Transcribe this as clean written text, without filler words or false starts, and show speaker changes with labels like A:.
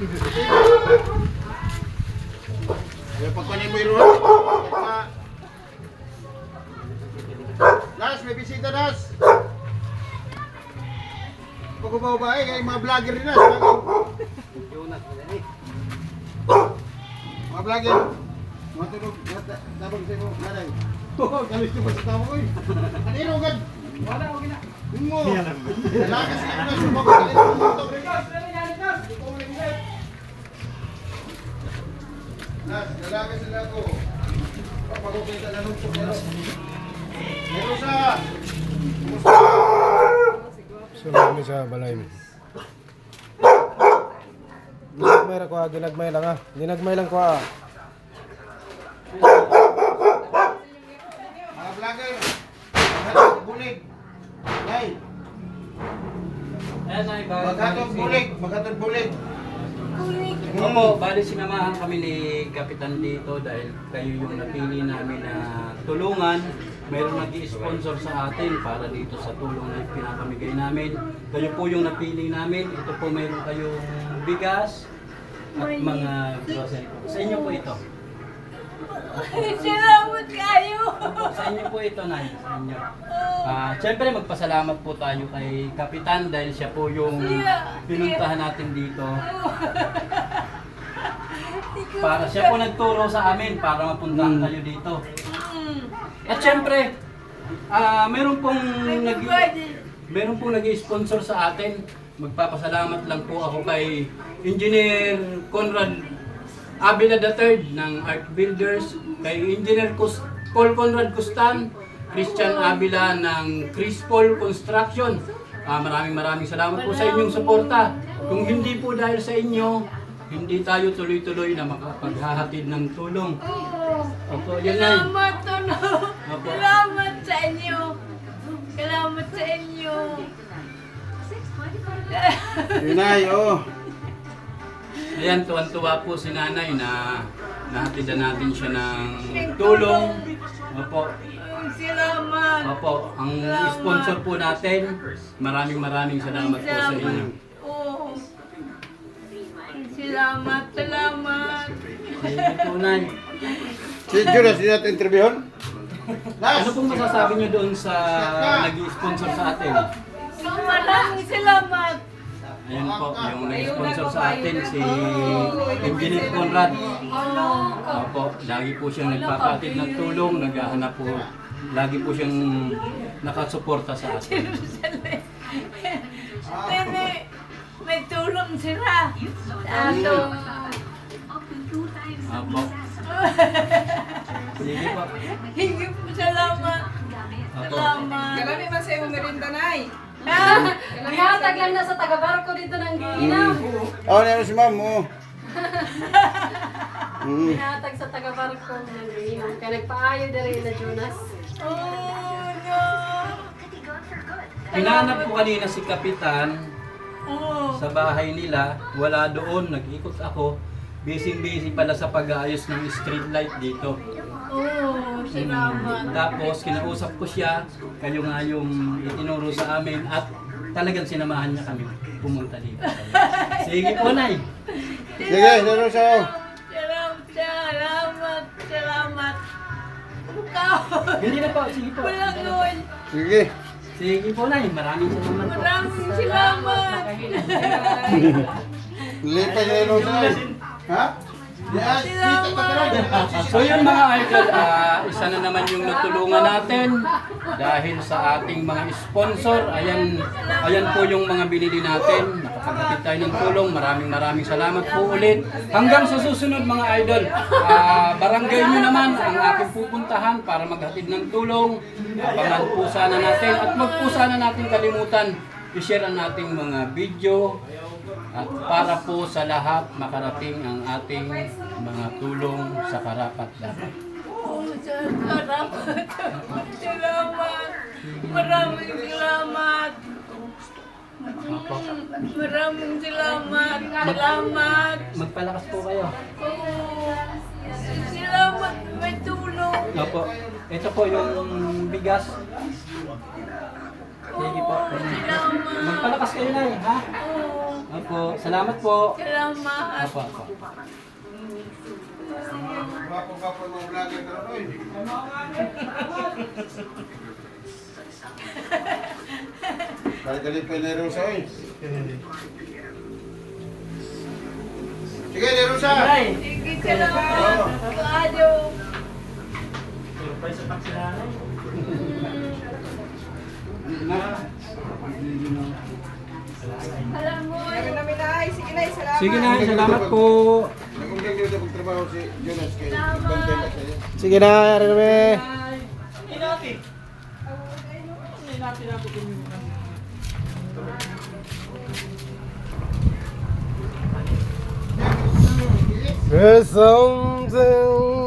A: Ayaw pagkunin mo yung rulo. Nas, may bisita, Nas. Pag-ubaw-bae, kaya mga vlogger rin, Nas. Mga vlogger. Mga tulog, tabang sa'yo mo, nanay. Galis ko pa sa tao ko eh. Kanino agad? Wala, okay na. Yung mo. Lagas ka na, sumagot ka rin. Nas, lalagas sila ko. Papagukita na nung sukero. Meron sa...
B: Sunod sa balay mo. Ginagmay lang ko ha, ginagmay lang ha. Ginagmay lang ko ha.
A: Mga vlogger, maghatod bulig. Nay, maghatod bulig, maghatod bulig.
C: Opo, bali sinamahan kami ni Kapitan dito dahil kayo yung napili namin na tulungan. Mayroong nag-i-sponsor sa atin para dito sa tulong na pinapamigay namin. Kayo po yung napili namin. Ito po mayroon kayong bigas at mga grocery po. Sa inyo po ito.
D: Salamat kayo!
C: Sa inyo po ito, Nay. Sa inyo. Siyempre, magpasalamat po tayo kay Kapitan dahil siya po yung pinuntahan natin dito. Para siya po nagturo sa amin para mapuntahan kayo dito. At siyempre, meron pong nag-sponsor sa atin. Magpapasalamat lang po ako kay Engineer Conrad Avila III ng Art Builders, kay Engineer Paul Conrad Custan, Christian Avila ng Chris Paul Construction. Maraming salamat po sa inyong suporta. Kung hindi po dahil sa inyo, hindi tayo tuloy-tuloy na makapaghahatid ng tulong. Opo, yan ay.
D: Salamat, Tono! Salamat sa inyo! Salamat sa inyo!
A: Yun ay, oh.
C: Ayan, tuwan-tuwa po si Nanay na nahatidan natin siya ng tulong. Opo.
D: Salamat!
C: Opo, ang sponsor po natin, maraming salamat po sa inyo.
D: Oo. Salamat, salamat!
C: Sige po, Nay.
A: Si Jonas, hindi natin interviewon? Nas!
C: Ano pong masasabi niyo doon sa nag-sponsor sa atin?
D: Maraming salamat!
C: Ayan po, yung nag-sponsor sa atin, si Engineer Conrad. Opo, lagi po siyang nagpapatid ng tulong, naghahanap po. Lagi po siyang nakasuporta sa atin.
D: Nene, may tulong sila sa atong...
C: Opo. Sige po.
D: Hindi po salamat!
C: Opo.
D: Salamat!
E: Kalami man sa iyong merinda, Nay.
F: Ihatag lang na sa taga-barko dito ng Giinaw.
A: Oh, ano si ma'am, oh.
F: Ihatag sa taga-barko ng Giinaw. Kaya nagpaayo na rin na Jonas.
D: Oh, no!
C: Hinahanap ko kanina si Kapitan
D: Oh,
C: sa bahay nila. Wala doon, nag-ikot ako. Busy pala sa pag-aayos ng street light dito.
D: oh, salamat!
C: Tapos kinausap ko siya, kayo nga yung itinuro sa amin at talagang sinamahan niya kami pumunta dito. Sige po, Nay.
A: Sige, laro siya, oh.
D: Salamat! Salamat! Ikaw!
C: Hindi na po, sige po.
D: Malangon!
A: Sige.
C: Sige po, Nay. Maraming salamat po.
D: Maraming salamat!
A: Lipat niya laro siya. Ha? Yes, dito pa tayo.
C: So yun mga idol, isa na naman yung natulungan natin dahil sa ating mga sponsor. Ayan po yung mga binili natin. Nakapaghatid tayo ng tulong. Maraming salamat po ulit. Hanggang sa susunod mga idol, barangay nyo naman ang aking pupuntahan para maghatid ng tulong. Abangan po sana natin at wag po sana natin kalimutan i-share ang ating mga video. At para po sa lahat makarating ang ating mga tulong sa karapat-dapat.
D: Oh, salamat! Salamat! Maraming salamat! Maraming salamat! Salamat!
C: Magpalakas po kayo.
D: Oh, salamat! May tulong!
C: Opo. Ito po yung bigas. Sige po.
D: Salamat!
C: Magpalakas kayo na ha?
D: Oh,
C: Opo, salamat po.
D: Salamat.
C: Opo, opo.
A: Gwapo-gwapo ng mga vlogger ka rin, oy. Galit pa yung Nerusa, oy. Sige, Nerusa!
D: Sige, salamat. Kuado. Alam mo,
E: Meron namin ay. Sige na, salamat.
C: Sige na, salamat po.
A: Nagunggang nyo na pagtrabaho si Jonas kay Bantay pa sa'yo.
B: Sige na, Reme. There's something